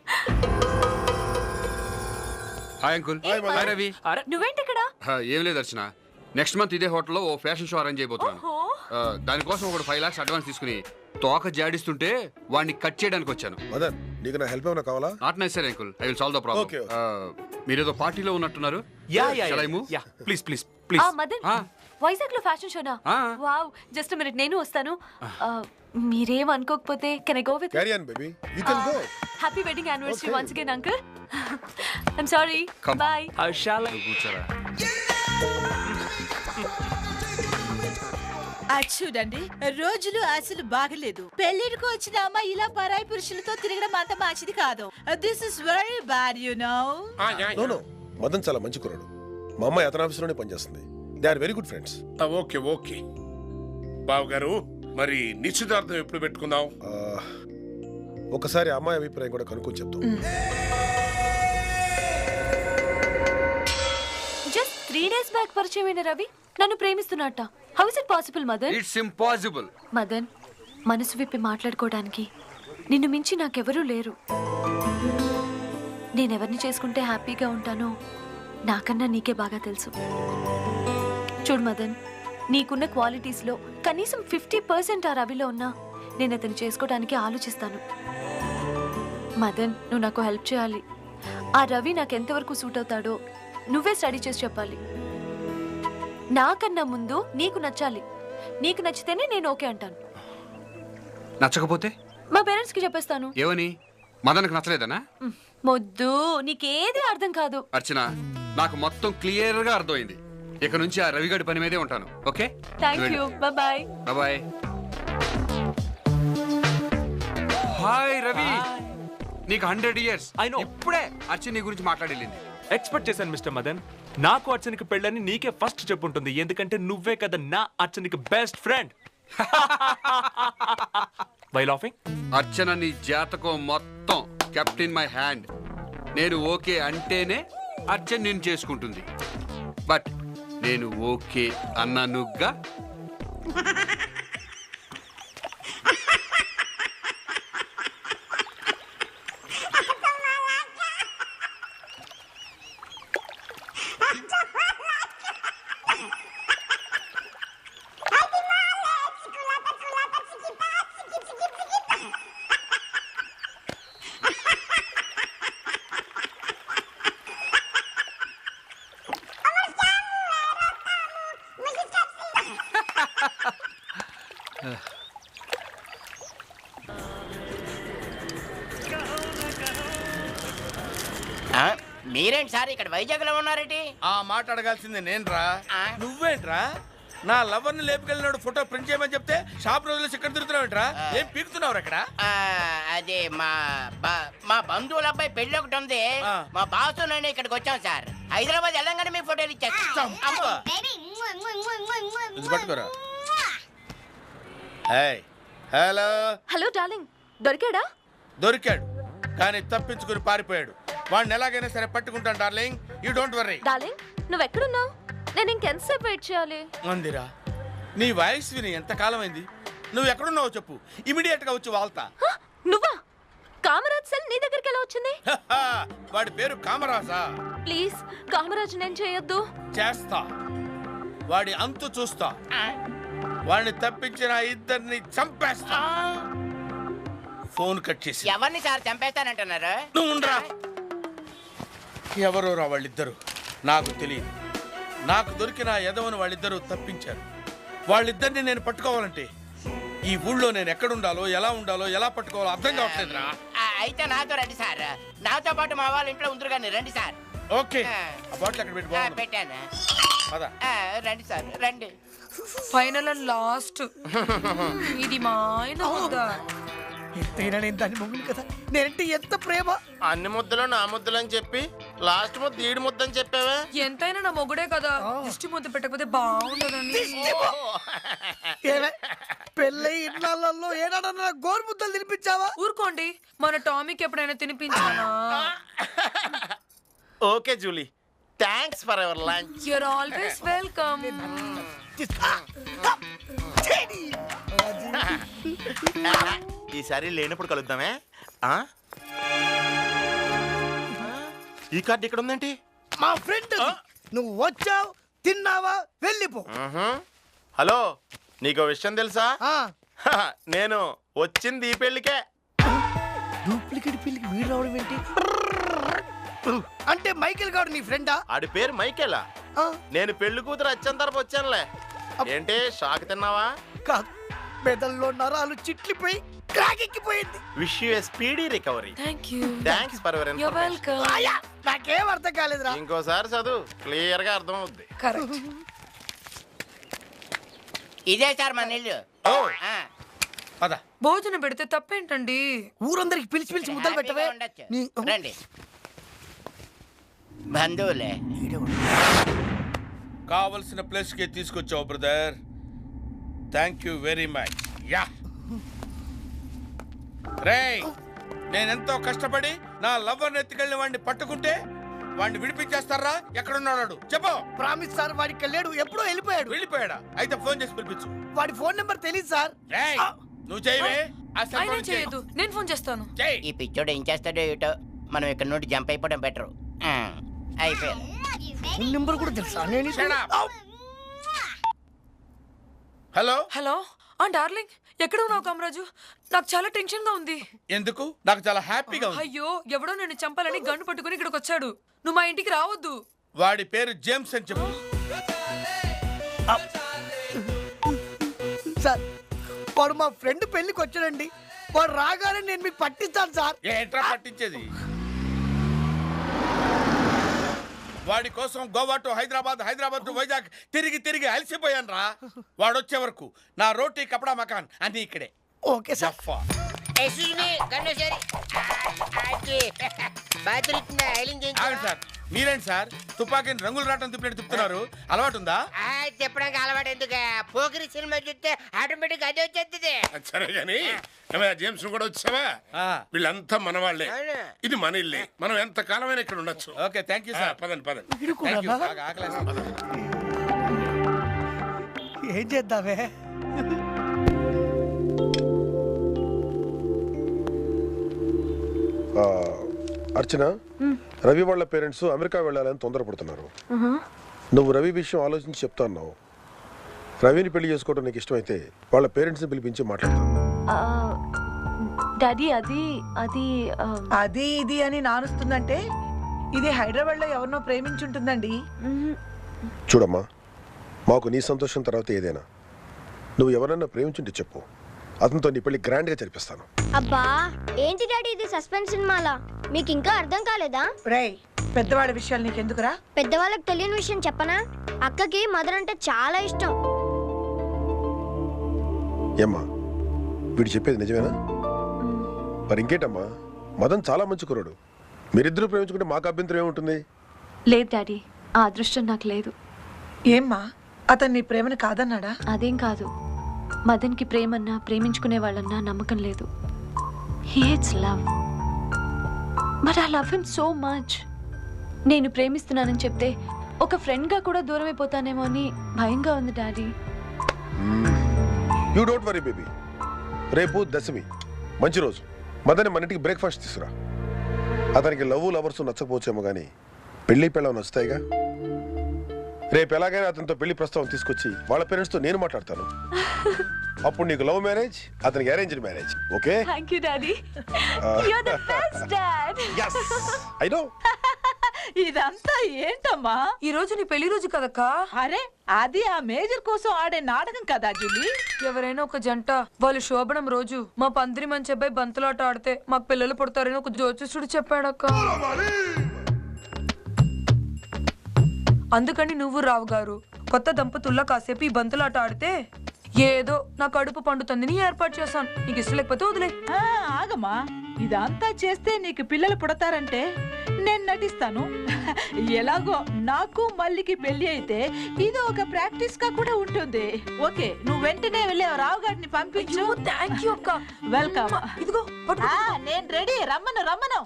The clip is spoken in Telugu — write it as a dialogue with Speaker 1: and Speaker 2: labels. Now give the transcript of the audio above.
Speaker 1: Hi uncle. హాయ్ రవి.
Speaker 2: నువ్వేంటి ఇక్కడ?
Speaker 1: ఏం లేదు అర్చన, నెక్స్ట్ మంత్ ఇదే హోటల్లో ఓ ఫ్యాషన్ షో అరేంజ్ అయిపోతున్నాను. దానికోసం ఒకడు 5 lakhs అడ్వాన్స్ తీసుకుని తోక జాడిస్తుంటే వాడిని కట్ చేయడానికి వచ్చాను.
Speaker 3: మదన్, నీకు నా హెల్ప్ ఏమైనా కావాలా?
Speaker 1: Not necessary uncle, I will solve the problem.
Speaker 3: Okay.
Speaker 1: మీరేదో పార్టీలో ఉన్నట్టున్నారు. Shall I move?
Speaker 4: Please
Speaker 2: Madan, Vizag లో ఫ్యాషన్ షోనా? వావ్, జస్ట్ మినిట్, నేను వస్తాను. మీరేం అనుకోకపోతే can I go with?
Speaker 3: Carry on baby, you can go.
Speaker 2: Happy wedding anniversary once again uncle. I'm sorry, bye.
Speaker 1: కూర్చోరా.
Speaker 5: చూడండి, రోజులు అసలు బాగలేదు. పెళ్లిడికి వచ్చిన అమ్మాయి ఇలా పరాయి పురుషులతో తిరగడం అంత మంచిది కాదు. This is very bad, you know.
Speaker 3: No Madan చాలా మంచి కుర్రాడు. మా అమ్మాయి అతని ఆఫీస్లోనే పనిచేస్తుంది. They are very good friends.
Speaker 6: Okay బావు గారు, మరి నిశ్చితార్థం ఎప్పుడు పెట్టుకుందాం?
Speaker 3: ఒకసారి అమ్మాయి అభిప్రాయం కూడా కనుక్కొని చెప్తాం.
Speaker 2: జస్ట్ 3 days బ్యాక్ పరిచయమైన రవి నన్ను ప్రేమిస్తున్నట్ట. How is it possible Madan?
Speaker 1: It's impossible.
Speaker 2: Madan, మనసు విప్పి మాట్లాడుకోవడానికి నిన్ను మించి నాకెవరూ లేరు. నేనెవరిని చేసుకుంటే హ్యాపీగా ఉంటానో నాకన్నా నీకే బాగా తెలుసు. చూడు మదన్, నీకున్న క్వాలిటీస్లో కనీసం 50% ఆ రవిలో ఉన్నా నేను అతను చేసుకోవడానికి ఆలోచిస్తాను. మదన్, నువ్వు నాకు హెల్ప్ చేయాలి. ఆ రవి నాకు ఎంతవరకు సూట్ అవుతాడో నువ్వే స్టడీ చేసి చెప్పాలి. నాకన్నా ముందు నీకు నచ్చాలి. నీకు నచ్చితేనే నేను ఓకే అంటాను.
Speaker 1: నచ్చకపోతే
Speaker 2: మా పేరెంట్స్ కి చెప్పేస్తాను.
Speaker 1: ఏమని? మదన్కి నచ్చలేదనా?
Speaker 2: మొద్దు, నీకేది అర్థం కాదు.
Speaker 1: అర్చన, నాకు మొత్తం క్లియర్ గా అర్థమైంది. ఇక నుంచి ఆ రవిగడి పని మీదే ఉంటాను. Okay,
Speaker 2: thank you, bye.
Speaker 1: Bye. Hi Ravi, నీకు 100 years.
Speaker 4: I know.
Speaker 1: ఇప్పుడే అర్చన నీ గురించి మాట్లాడేళ్ళింది.
Speaker 4: ఎక్స్పెక్ట్ చేశాను మిస్టర్ మదన్. నాకు అర్చనకి పెళ్ళని నీకే ఫస్ట్ చెప్పుంటుంది, ఎందుకంటే నువ్వే కదా నా అర్చనకి best friend. Why laughing?
Speaker 1: Archana నీ జాతకం మొత్తం కెప్ట్ ఇన్ మై హ్యాండ్. నేను ఓకే అంటేనే అర్చన నేను చేసుకుంటుంది. బట్ నేను ఓకే అన్నానుగా.
Speaker 7: మీరేంటి సార్ ఇక్కడ వైజాగ్ లో ఉన్నారేంటి?
Speaker 6: ఆ మాట అడగాల్సింది నేను రా. నువ్వేంట్రా నా లవర్ ని లేపుకెళ్ళినాడు ఫోటో ప్రింట్ చేయమని చెప్తే షాప్ రోజులు ఇక్కడ తిరుగుతున్నావుంట్రా? ఏం పీకుతున్నావు అక్కడ?
Speaker 7: అదే మా బంధువుల అబ్బాయి పెళ్లి ఒకటి ఉంది. మా బాసు నేను ఇక్కడికి వచ్చాం సార్. హైదరాబాద్ వెళ్ళంగానే మీ ఫోటోలు ఇచ్చేస్తాం.
Speaker 6: పట్టుకోరా. హలో
Speaker 2: హలో డార్లింగ్, దొరికాడా?
Speaker 6: దొరికాడు, కానీ తప్పించుకుని పారిపోయాడు. వాడిని ఎలాగైనా సరే పట్టుకుంటాను darling, you don't worry.
Speaker 2: Darling, నువ్వు ఎక్కడున్నావు? నేను ఇంకెంతసేపు వెయిట్ చేయాలి?
Speaker 6: మందిరా, నీ వాయిస్ విని ఎంత కాలం అయింది. నువ్వు ఎక్కడున్నావో చెప్పు, ఇమిడియట్ గా వచ్చి వాళ్తా.
Speaker 2: నువ్వా? కామరాజ్ సెల్ నీ దగ్గరికి ఎలా వచ్చింది?
Speaker 6: వాడి పేరు కామరాజా?
Speaker 2: ప్లీజ్, కామరాజ్ నేను చేయొద్దు.
Speaker 6: చేస్తా, వాడి అంతు చూస్తా. వాడిని తప్పించిన ఇద్దరిని చంపేస్తా. ఫోన్ కట్ చేసి.
Speaker 7: ఎవరిని సార్ చంపేస్తానంటున్నారు?
Speaker 6: నువ్వు ఉండరా. ఎవరో రా వాళ్ళిద్దరు, నాకు తెలియదు. నాకు దొరికిన ఎదవను వాళ్ళిద్దరూ తప్పించారు. వాళ్ళిద్దరిని నేను పట్టుకోవాలంటే ఈ ఊళ్ళో నేను ఎక్కడుండాలో, ఎలా ఉండాలో, ఎలా పట్టుకోవాలో అర్థం కావట్లేదురా.
Speaker 7: అయితే నాతో రండి సార్. నాతో పాటు మా వాళ్ళ ఇంట్లో ఉందరు కానీ రండి సార్.
Speaker 6: ఓకే, ఆ బాటిల్ అక్కడ పెట్టి
Speaker 7: పెట్టాను. రండి సార్, రండి.
Speaker 8: ఫైనల్ అండ్ లాస్ట్ ఇది మా ఆయన ముద్ద.
Speaker 9: ఎంతైనా నేను దాన్ని మొగుడు కదా, నేనంటే ఎంత ప్రేమ.
Speaker 10: అన్ని ముద్దలు నా ముద్దలు అని చెప్పి లాస్ట్ ముద్ద ఈడు ముద్ద అని చెప్పావా?
Speaker 8: ఎంతైనా నా మొగుడే కదా, దిష్టి ముద్ద పెట్టకపోతే బాగుండదని.
Speaker 9: పెళ్ళై ఇన్నాళ్ళల్లో ఏనాడన్నా గోరు ముద్దలు తినిపించావా?
Speaker 8: ఊరుకోండి, మన టామీకి ఎప్పుడైనా తినిపించానా?
Speaker 10: Okay Julie, thanks for ever lunch.
Speaker 8: You're always welcome.
Speaker 10: ఈసారి లేనప్పుడు కలుద్దామే. ఈ కార్డు ఇక్కడ ఉందేంటి?
Speaker 9: మా ఫ్రెండ్ నువ్వు వచ్చావు, తిన్నావా, వెళ్ళిపో.
Speaker 10: హలో, నీకు విషయం తెలుసా?
Speaker 9: ఆ,
Speaker 10: నేను వచ్చింది ఈ పెళ్లికే.
Speaker 9: డూప్లికేట్ పెళ్లికి వీడు రావడం ఏంటి? అంటే మైకేల్ గారు నీ ఫ్రెండా?
Speaker 10: ఆడి పేరు మైకేలా. నేను పెళ్లి కూతురు వచ్చేంత తరపు వచ్చానులే. ఏంటి షాక్ తిన్నావా?
Speaker 9: కాదు, మెదల్లో నరాలు చిట్లిపోయి క్రాక్ ఎక్కిపోయింది.
Speaker 10: Wish you speedy recovery. Thanks for your
Speaker 8: You're welcome.
Speaker 9: ఆయా, నాకేం అర్థం కాలేదురా.
Speaker 10: ఇంకోసారి చదువు, క్లియర్ గా అర్థం అవుద్ది.
Speaker 8: Correct.
Speaker 7: ఇదే సార్ మన ఇల్లు. ఆ,
Speaker 6: పద.
Speaker 8: భోజనం పెడితే తప్పేంటండి?
Speaker 9: ఊరందరికి పిలిచి పిలిచి ముద్దలు పెట్టవే.
Speaker 7: హ్యాపీగా ఉండొచ్చు. రండి బంధువులే.
Speaker 6: కావలసిన ప్లేస్ కి తీసుకొచ్చావు brother. Thank you very much. యా రేయ్, నేనెంతో కష్టపడి నా లవ్వర్ని ఎత్తుకెళ్ళిన వాడిని పట్టుకుంటే వాడిని విడిపించేస్తారా? ఎక్కడున్నాడు చెప్పు.
Speaker 9: ప్రామిస్ సార్, వాడికి లేడు, ఎప్పుడో వెళ్ళిపోయాడు.
Speaker 6: వెళ్ళిపోయాడా? అయితే ఫోన్ చేసి పిలిపించు.
Speaker 9: వాడి ఫోన్ నెంబర్ తెలియదు సార్.
Speaker 6: రేయ్, నువ్వు చేయవే.
Speaker 8: ఆయన చేయదు, నేను ఫోన్ చేస్తాను.
Speaker 7: ఈ పిచ్చోడు ఏం చేస్తాడో ఏటో. మనం ఇక్కడ నుండి జంప్ అయిపోవడం బెటర్. అయిపోయారు.
Speaker 9: ఫోన్ నెంబర్ కూడా తెలుసా? నేను
Speaker 6: హలో.
Speaker 8: హలో డార్లింగ్, ఎక్కడ ఉన్నావు కామరాజు? నాకు చాలా టెన్షన్ గా ఉంది.
Speaker 6: ఎందుకు? నాకు చాలా హ్యాపీగా ఉంది.
Speaker 8: అయ్యో, ఎవడో నిన్ను చంపాలని గన్ను పట్టుకుని ఇక్కడికి వచ్చాడు. నువ్వు మా ఇంటికి రావద్దు.
Speaker 6: వాడి పేరు జేమ్స్ అని చెప్పు.
Speaker 9: సార్, వాడు మా ఫ్రెండ్ పెళ్లికి వచ్చాడండి. వాడు రాగానే నేను మీకు పట్టిస్తాను సార్.
Speaker 6: ఏంట్రా పట్టించేది? వాడి కోసం గోవా టు హైదరాబాద్, హైదరాబాద్ టు వైజాగ్ తిరిగి తిరిగి అలసిపోయాను రా. వాడు వచ్చే వరకు నా రోటీ కపడా మకాన్ అన్ని ఇక్కడే.
Speaker 9: Okay sir.
Speaker 6: ఆగండి సార్, మీరేంటి సార్ తుపాకీని రంగులు రావటం తిప్పినట్టు తిప్పుతున్నారు? అలవాటు ఉందా?
Speaker 7: చెప్పడానికి అలవాటు ఎందుకు? పోకిరి సినిమా చూస్తే ఆటోమేటిక్ అదే వచ్చేస్తుంది.
Speaker 3: సరే గాని జేమ్స్ కూడా వచ్చావా? వీళ్ళంతా మన వాళ్ళే. ఇది మన ఇల్లే. మనం ఎంత కాలమైనా ఇక్కడ ఉండొచ్చు.
Speaker 6: Okay, thank you sir.
Speaker 3: పదండి పదండి.
Speaker 6: Thank you. బాగా ఆకలేస్తుంది.
Speaker 9: ఏం చేద్దామే?
Speaker 3: అర్చన, రవి వాళ్ళ పేరెంట్స్ అమెరికా వెళ్ళాలని తొందరపడుతున్నారు. నువ్వు రవి విషయం ఆలోచించి చెప్తా అన్నావు. రవిని పెళ్లి చేసుకోవడం నీకు ఇష్టమైతే వాళ్ళ పేరెంట్స్ని పిలిపించి మాట్లాడతాను.
Speaker 2: డాడీ అది అది
Speaker 11: అది ఇది అని నానుస్తుందంటే ఇది హైదరాబాద్ లో ఎవరినో ప్రేమించుంటుందండి.
Speaker 3: చూడమ్మా, మాకు నీ సంతోషం తర్వాత ఏదైనా. నువ్వు ఎవరన్నా ప్రేమించుంటే చెప్పు, అతనితో నీ పెళ్లి గ్రాండ్ గా జరిపిస్తాను.
Speaker 12: అబ్బా ఏంటి డాడీ ఇది సస్పెన్స్ సినిమాలా? మీకు ఇంకా అర్థం కాలేదా?
Speaker 11: రేయ్, పెద్దవాడి విషయాలు నీకెందుకురా?
Speaker 12: పెద్దవాళ్ళకి తెలియని విషయం చెప్పనా? అక్కకి మదర్ అంటే చాలా ఇష్టం.
Speaker 3: ఏమ్మా, వీడు చెప్పేది నిజమేనా? మరి ఇంకేటమ్మా, మదన్ చాలా మంచి కుర్రాడు. మీరిద్దరూ ప్రేమించుకుంటే మాకు అభ్యంతరం ఏముంటుంది?
Speaker 2: లేదు డాడీ, ఆ అదృష్టం నాకు లేదు.
Speaker 11: ఏమ్మా, అతను నీ ప్రేమని కాదన్నాడా?
Speaker 2: అదేం కాదు, మదన్కి ప్రేమన్నా ప్రేమించుకునే వాళ్ళన్నా నమ్మకం లేదు. He hates love, but I love him so much. నేను ప్రేమిస్తున్నానని చెప్తే ఒక ఫ్రెండ్గా కూడా దూరం అయిపోతానేమో అని భయంగా ఉంది daddy.
Speaker 3: You don't worry baby. రేపు దశమి, మంచి రోజు. మదన్ మన ఇంటికి బ్రేక్ఫాస్ట్ తీసుకురా. అతనికి లవర్స్ నచ్చకపోవచ్చేమో కానీ పెళ్లి పెళ్ళం నచ్చుతాయిగా. రేపు ఎలాగైనా అతనితో పెళ్లి ప్రస్తావన తీసుకొచ్చి వాళ్ళ పేరెంట్స్తో నేను మాట్లాడతాను. అప్పుడు నీకు లవ్ మ్యారేజ్, అతనికి arranged marriage. Okay?
Speaker 2: Thank you daddy, you are the best dad.
Speaker 3: yes I know.
Speaker 11: ఇదంతా ఏంటమ్మా?
Speaker 8: ఈ రోజు నీ పెళ్లి రోజు కదక్క.
Speaker 11: అరే, అది ఆ మేజర్ కోసం ఆడే నాటకం కదా జూలీ.
Speaker 8: ఎవరైనా ఒక జంట వాళ్ళు శోభనం రోజు మా పందిరి మంచి అబ్బాయి బంతులాట ఆడితే మాకు పిల్లలు పుడతారని ఒక జ్యోతిష్యుడు చెప్పాడక్క. అందుకని నువ్వు రావు గారు కొత్త దంపతుల్లో కాసేపు ఈ బంతులాట ఆడితే ఏదో నా కడుపు పండుతుందని ఏర్పాటు చేశాను. నీకు ఇష్టం లేకపోతే వదిలే.
Speaker 11: ఆగమ్మా, ఇదంతా చేస్తే నీకు పిల్లలు పుడతారంటే నేను నటిస్తాను. ఎలాగో నాకు మల్లికి పెళ్లి అయితే ఇది ఒక ప్రాక్టీస్ గా కూడా ఉంటుంది. ఓకే, నువ్వు వెంటనే వెళ్ళి రావు గారిని పంపించు.
Speaker 8: థ్యాంక్ యూ అక్క.
Speaker 11: వెల్కమ్.
Speaker 8: ఇదిగో
Speaker 11: నేను రెడీ. రమ్మను.